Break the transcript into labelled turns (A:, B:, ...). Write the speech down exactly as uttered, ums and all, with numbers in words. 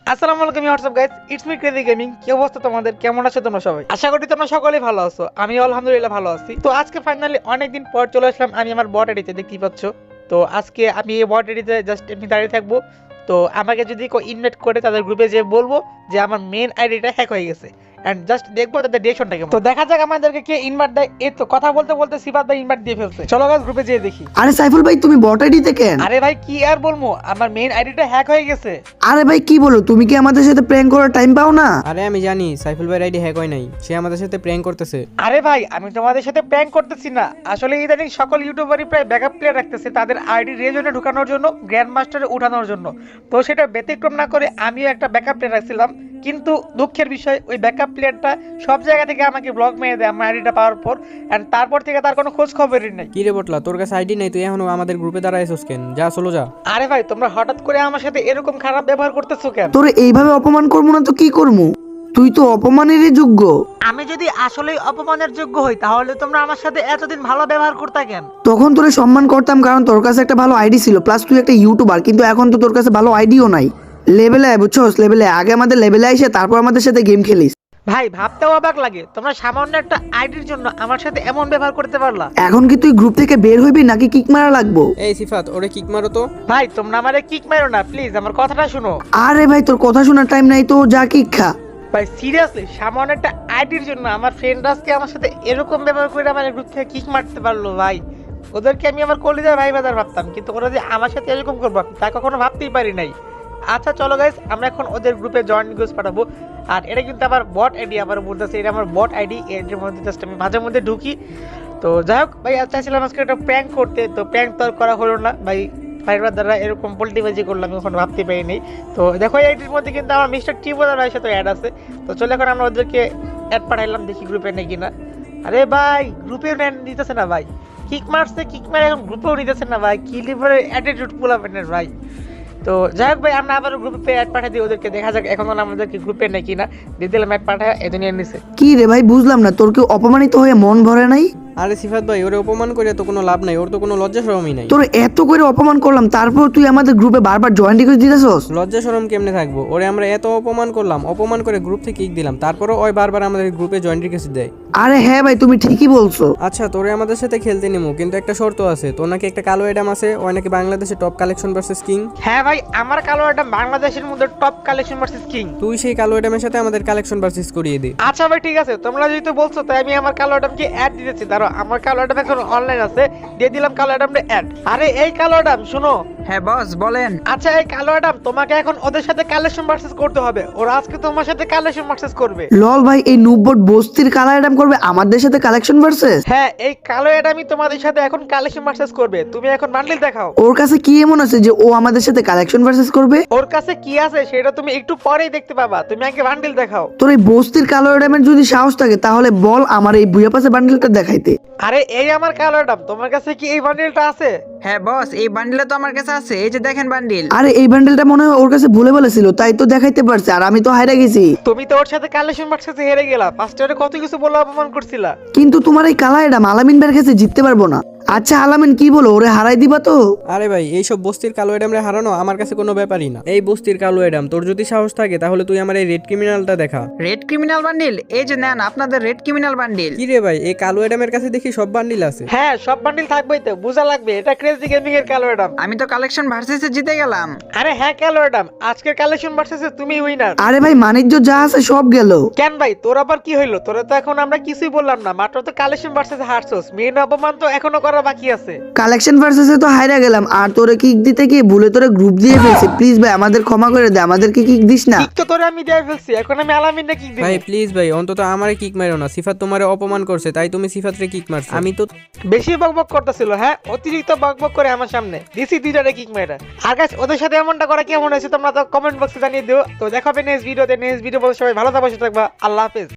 A: আসসালামু আলাইকুম what's up guys, it's me crazy gaming. কি অবস্থা তোমাদের, কেমন আছো তোমরা সবাই? আশা করি তোমরা সকলেই ভালো আছো। আমি আলহামদুলিল্লাহ ভালো আছি। তো আজকে ফাইনালি অনেকদিন পর চলে আসলাম আমি আমার বট আইডিতে, দেখতেই পাচ্ছ। তো আজকে আমি এই বট আইডিতে জাস্ট এমনি দাঁড়িয়ে থাকবো। তো আমাকে যদি কেউ ইনভাইট করে তাদের গ্রুপে যে বলবো যে আমার মেন আইডিটা হ্যাক হয়ে গেছে, এন্ড জাস্ট দেখবো তাদের ডিরেকশনটা কেমন। তো দেখা যাক আমাদেরকে কে ইনভাইট দেয়। এই তো কথা বলতে বলতে সিফাত ভাই ইনভাইট দিয়ে ফেলছে। চলো গাইস গ্রুপে যেয়ে দেখি।
B: আরে সাইফুল ভাই, তুমি বট আইডিতে কেন?
A: আরে ভাই কি আর বলবো, আমার মেন আইডিটা হ্যাক হয়ে গেছে।
B: আরে ভাই কি বলো, তুমি কি আমাদের সাথে প্র্যাঙ্ক করার টাইম পাও না?
C: আরে আমি জানি সাইফুল ভাই আইডি হ্যাক হয় নাই, সে আমাদের সাথে প্র্যাঙ্ক করতেছে।
A: আরে ভাই আমি তোমাদের সাথে প্র্যাঙ্ক করতেছি না, আসলে ইদানিং সকল ইউটিউবারই প্রায় ব্যাকআপ প্লেয়ার রাখতেছে তাদের আইডি রেজনে ঢোকানোর জন্য, গ্র্যান্ড মাস্টারে উঠানোর জন্য। তো সেটা ব্যতিক্রম না করে আমিও একটা ব্যাকআপ প্লেয়ার রাখছিলাম, কিন্তু দুঃখের বিষয় ওই ব্যাকআপ প্লেয়ারটা সব জায়গা থেকে আমাকে ব্লক মেরে দেয় আমার আইডিটা পাওয়ার পর, এন্ড তারপর থেকে তার কোনো খোঁজ খবরই নেই।
C: কি রে বটলা, তোর কাছে আইডি নাই, তুই এখনো আমাদের গ্রুপে দাঁড়াইছিস কেন? যা চলো যা।
A: আরে ভাই তোমরা হঠাৎ করে আমার সাথে এরকম খারাপ ব্যবহার করতেছো কেন?
B: তোরে এইভাবে অপমান করবো না তো কি করবো? তুই তো অপমানেরই যোগ্য।
A: আমি যদি আসলেই অপমানের যোগ্য হই তাহলে তোমরা আমার সাথে এতদিন ভালো ব্যবহার করতে কেন?
B: তখন তোরে সম্মান করতাম কারণ তোর কাছে একটা ভালো আইডি ছিল, প্লাস তুই একটা ইউটিউবার, কিন্তু এখন তো তোর কাছে ভালো আইডিও নাই। লেভেলে আয়, বুঝছস? লেভেলে আগে আমাদের লেভেলে আইসে তারপর আমাদের সাথে গেম খেলিস।
A: ভাই ভাবতেও অবাক লাগে, তোমরা সামান্য একটা আইডির জন্য আমার সাথে এমন ব্যবহার করতে পারলা।
B: এখন কি তুই গ্রুপ থেকে বের হইবি নাকি কিক মারা লাগবো?
C: এই সিফাত, ওরে কিক মারো তো।
A: ভাই তোমরা আমারে কিক মারো না প্লিজ, আমার কথাটা শুনো।
B: আরে ভাই তোর কথা শোনার টাইম নাই তো, যা কিক খা।
A: ভাই সিরিয়াসলি সামান্য একটা আইডির জন্য আমার ফ্রেন্ড আজকে আমার সাথে এরকম ব্যবহার করে আমার গ্রুপ থেকে কিক মারতে পারলো। ভাই ওদেরকে আমি আমার কলিজার ভাই বাজার ভাবতাম, কিন্তু ওরা যে আমার সাথে এরকম করবো তা কখনো ভাবতেই পারি নাই। আচ্ছা চলো গাইস, আমরা এখন ওদের গ্রুপে জয়েন রিকোয়েস্ট পাঠাবো। আর এটা কিন্তু আমার বট আইডি, আবার বলতেছে এটা আমার বট আইডি, এর মধ্যে জাস্ট আমি মাঝে মধ্যে ঢুকি। তো যাই হোক ভাই, চাইছিলাম আজকে একটা প্র্যাঙ্ক করতে, তো প্র্যাঙ্ক তো আর করা হলো না ভাই। ফাইবার দ্বারা এরকম পোল্টিবাজি করলাম এখন ভাবতে পারিনি। তো দেখো এই আইডির মধ্যে কিন্তু আমার মিস্টার টিবোদার ভাইয়ের সাথে অ্যাড আছে। তো চলে এখন আমরা ওদেরকে অ্যাড পাঠাইলাম, দেখি গ্রুপে নেই কিনা। আরে ভাই গ্রুপেও নিতেছে না ভাই, কিক মারছে, কিক মারে এখন গ্রুপেও নিতেছে না ভাই। কি লিভারের অ্যাটিটিউড পোলাপেনের ভাই। তো যাই হোক ভাই, আমরা আবার গ্রুপে অ্যাড পাঠিয়ে দিই ওদেরকে, দেখা যাক এখন আমাদেরকে গ্রুপে নেই কিনা। দিয়ে দিলাম অ্যাড পাঠায়, এই দুনিয়ার নিচে।
B: কি রে ভাই, বুঝলাম না, তোর কি অপমানিত হয়ে মন ভরে নাই?
C: আরে সিফাত ভাই, ওরে অপমান করে তো কোনো লাভ নাই, ওর তো কোনো লজ্জা শরমই নাই।
B: তোর এত করে অপমান করলাম তারপর তুই আমাদের গ্রুপে বারবার জয়েন রিকোয়েস্ট দিতেছস।
C: লজ্জা শরম কেমনে থাকবো? ওরে আমরা এত অপমান করলাম, অপমান করে গ্রুপ থেকে কিক দিলাম, তারপরও ওই বারবার আমাদের গ্রুপে জয়েন রিকোয়েস্ট দেয়।
B: আরে হ্যাঁ ভাই, তুমি ঠিকই বলছো।
C: আচ্ছা তোরে আমাদের সাথে খেলতে নেবো, কিন্তু একটা শর্ত আছে। তোর নাকি একটা কালো অ্যাডাম আছে, ওই নাকি বাংলাদেশে টপ কালেকশন ভার্সেস কিং।
A: হ্যাঁ ভাই, আমার কালো অ্যাডাম বাংলাদেশের মধ্যে টপ কালেকশন ভার্সেস কিং।
C: তুই সেই কালো অ্যাডামের সাথে আমাদের কালেকশন ভার্সেস করিয়ে দে।
A: আচ্ছা ভাই ঠিক আছে, তোমরা যেহেতু বলছো তাই আমি আমার কালো অ্যাডামকে অ্যাড দিতেছি। ধরো আমার কালো অ্যাডাম এখন অনলাইন আছে, দিয়ে দিলাম কালো অ্যাডামটা অ্যাড। আরে এই কালো অ্যাডাম শুনো।
D: হ্যাঁ বস বলেন।
A: আচ্ছা এই কালো অ্যাডাম, তোমাকে এখন ওদের সাথে কালেকশন ভার্সেস করতে হবে, ওরা আজকে তোমার সাথে কালেকশন ভার্সেস করবে।
B: লল ভাই, এই নুবট বস্তির কালা অ্যাডাম করবে আমাদের সাথে কালেকশন ভার্সেস?
A: হ্যাঁ এই কালো অ্যাডামই তোমাদের সাথে এখন কালেকশন ভার্সেস করবে। তুমি এখন বান্ডিল দেখাও।
B: ওর কাছে কি এমন আছে যে ও আমাদের সাথে কালেকশন ভার্সেস করবে?
A: ওর কাছে কি আছে সেটা তুমি একটু পরেই দেখতে পাবা, তুমি আগে বান্ডিল দেখাও।
B: তোর এই বস্তির কালো অ্যাডামের যদি সাহস থাকে তাহলে বল আমার এই বুয়া পাশে বান্ডিলটা দেখাইতে।
A: আরে এই আমার কালো অ্যাডাম, তোমার কাছে কি এই বান্ডিলটা আছে?
D: হ্যাঁ বস, এই বান্ডিলটা তো আমার কাছে আছে, এই যে দেখেন বান্ডিল।
B: আরে এই বান্ডিলটা মনে হয় ওর কাছে ভুলে বলেছিল, তাই তো দেখাইতে পারছে, আর আমি তো হাইরা গেছি।
A: তুমি তো ওর সাথে কালেকশন ভার্সেসে হেরে গেলা, ফার্স্টে ওরে কত কিছু বলে অপমান করছিলা।
B: কিন্তু তোমার এই কালা অ্যাডাম আলামিন বের কাছে জিততে পারবো না। আচ্ছা আলামিন কি বলো, ওরে হারাই দিবা তো?
C: আরে ভাই, এইসব বস্তির কালো অ্যাডামরে হারানো আমার কাছে কোনো ব্যাপারই না। এই বস্তির কালো অ্যাডাম, তোর যদি সাহস থাকে তাহলে তুই আমার এই রেড ক্রিমিনালটা দেখা।
D: রেড ক্রিমিনাল বান্ডিল, এই যে নেন আপনাদের রেড ক্রিমিনাল বান্ডিল।
C: কি রে ভাই, এই কালো অ্যাডামের কাছে দেখি সব বান্ডিল আছে।
A: হ্যাঁ সব বান্ডিল থাকবেই তো, বোঝা লাগবে এটা ক্রেজি গেমিং এর কালো অ্যাডাম।
D: আমি তো কালেকশন ভার্সেসে জিতে গেলাম।
A: আরে হ্যাঁ কালো অ্যাডাম, আজকের কালেকশন ভার্সেসে তুমি উইনার।
B: আরে ভাই বাণিজ্য যা আছে সব গেল।
A: কেন ভাই তোর আবার কি হইলো? তোরা তো এখন আমরা কিছুই বললাম না, মাত্র তো কালেকশন ভার্সেসে হারছস, মেন অপমান তো এখনো করা বাকি আছে।
B: কালেকশন ভার্সেসে তো হাইরা গেলাম, আর তোরে কিক দিতে গিয়ে ভুলে তোরে গ্রুপ দিয়ে ফেলছি। প্লিজ ভাই আমাদের ক্ষমা করে দে, আমাদেরকে কিক দিস না।
A: ঠিক তো তোরে আমি দিয়ে ফেলছি, এখন আমি আলামিনটা কিক দিই।
C: ভাই প্লিজ ভাই, অন্তত আমারে কিক মারো না। সিফাত তোমারে অপমান করছে তাই তুমি সিফাতরে কিক মারছো। আমি তো
A: বেশি বকবক করতেছিল, হ্যাঁ অতিরিক্ত বকবক করে আমার সামনে দিছি দুইটারে কিক মেরা। আর গাইস ওদের সাথে এমনটা করা কেমন হয়েছে তোমরা তো কমেন্ট বক্সে জানিয়ে দিও। তো দেখাবে নেক্সট ভিডিওতে, নেক্সট ভিডিও বলতে সবাই ভালো থাকবা, সুস্থ থাকবা, আল্লাহ হাফেজ।